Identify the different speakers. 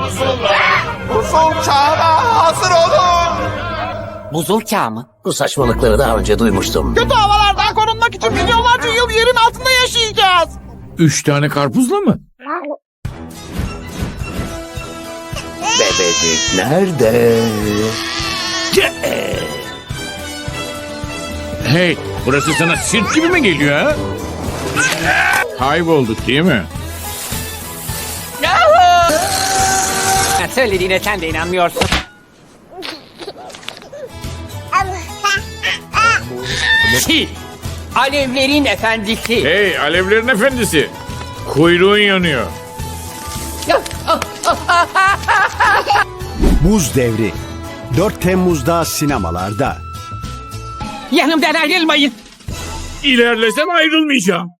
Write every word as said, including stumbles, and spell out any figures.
Speaker 1: Buzul çağına hazır olun.
Speaker 2: Buzul çağı mı?
Speaker 3: Bu saçmalıkları daha önce duymuştum.
Speaker 1: Kötü havalardan korunmak için milyonlarca yıl yerin altında yaşayacağız.
Speaker 4: Üç tane karpuzla mı?
Speaker 3: Bebecik nerede?
Speaker 4: Hey, burası sana sirk gibi mi geliyor ha? Kaybolduk değil mi?
Speaker 2: Ha, söylediğine sen de inanmıyorsun. Sil. Alevlerin efendisi.
Speaker 4: Hey, alevlerin efendisi. Kuyruğun yanıyor.
Speaker 5: Buz Devri dört Temmuz'da sinemalarda.
Speaker 2: Yanımdan ayrılmayın.
Speaker 4: İlerlesem ayrılmayacağım.